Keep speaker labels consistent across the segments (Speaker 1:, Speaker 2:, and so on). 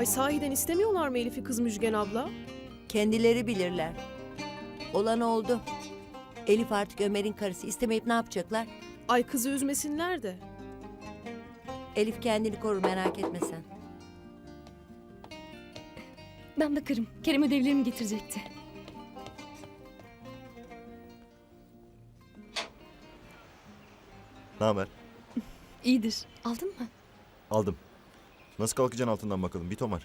Speaker 1: Ay sahiden istemiyorlar mı Elif'i kız Müjgan abla?
Speaker 2: Kendileri bilirler. Olan oldu. Elif artık Ömer'in karısı. İstemeyip ne yapacaklar?
Speaker 1: Ay kızı üzmesinler de.
Speaker 2: Elif kendini korur, merak etme sen.
Speaker 3: Ben bakarım. Kerem ödevlerimi getirecekti.
Speaker 4: Ne haber?
Speaker 3: İyidir. Aldın mı?
Speaker 4: Aldım. Nasıl kalkacaksın altından bakalım? Bir tomar.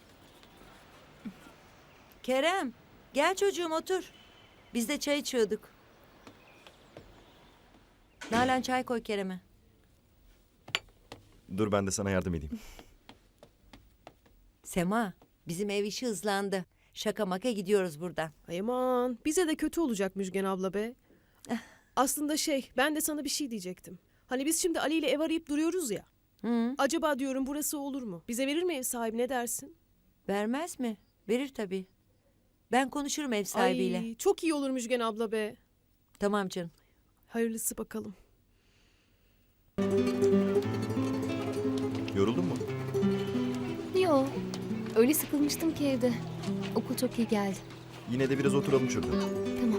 Speaker 2: Kerem, gel çocuğum otur. Biz de çay içiyorduk. Nalan çay koy Kerem'e.
Speaker 4: Dur ben de sana yardım edeyim.
Speaker 2: Sema, bizim ev işi hızlandı. Şaka maka gidiyoruz buradan.
Speaker 1: Ay aman bize de kötü olacak Müjgan abla be. Aslında ben de sana bir şey diyecektim. Hani biz şimdi Ali ile ev arayıp duruyoruz ya.
Speaker 2: Hı,
Speaker 1: Acaba diyorum burası olur mu? Bize verir mi ev sahibi, ne dersin?
Speaker 2: vermez mi? Verir tabii. Ben konuşurum ev sahibiyle.
Speaker 1: Ay çok iyi olur Müjgan abla be.
Speaker 2: Tamam canım.
Speaker 1: Hayırlısı bakalım.
Speaker 4: Yoruldun mu?
Speaker 3: Yo. Öyle sıkılmıştım ki evde. Okul çok iyi geldi.
Speaker 4: Yine de biraz oturalım şurada.
Speaker 3: Tamam.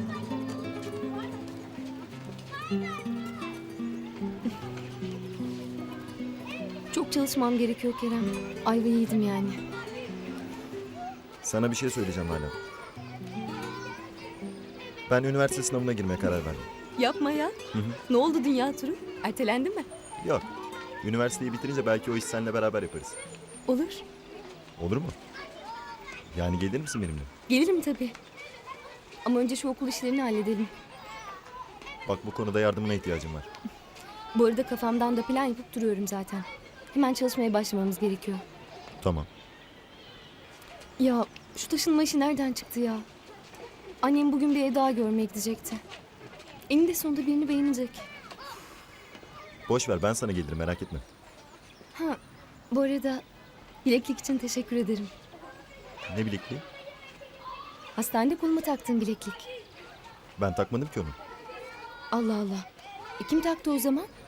Speaker 3: Çok çalışmam gerekiyor Kerem. Ayvayı yedim yani.
Speaker 4: Sana bir şey söyleyeceğim hala. Ben üniversite sınavına girmeye karar verdim.
Speaker 3: Yapma ya. Ne oldu dünya turu? Ertelendi mi?
Speaker 4: Yok. Üniversiteyi bitirince belki o iş seninle beraber yaparız.
Speaker 3: Olur.
Speaker 4: Olur mu? Yani gelir misin benimle?
Speaker 3: Gelirim tabii. Ama önce şu okul işlerini halledelim.
Speaker 4: Bak bu konuda yardımına ihtiyacım var.
Speaker 3: Bu arada kafamdan da plan yapıp duruyorum zaten. Hemen çalışmaya başlamamız gerekiyor.
Speaker 4: Tamam.
Speaker 3: Ya şu taşınma işi nereden çıktı ya? Annem bugün bir ev daha görmeye gidecekti. Eninde sonunda birini beğenecek.
Speaker 4: Boş ver ben sana gelirim merak etme.
Speaker 3: Ha, bu arada bileklik için teşekkür ederim.
Speaker 4: Ne bilekliği?
Speaker 3: Hastanede koluma taktığım bileklik.
Speaker 4: Ben takmadım ki onu.
Speaker 3: Allah Allah. Kim taktı o zaman?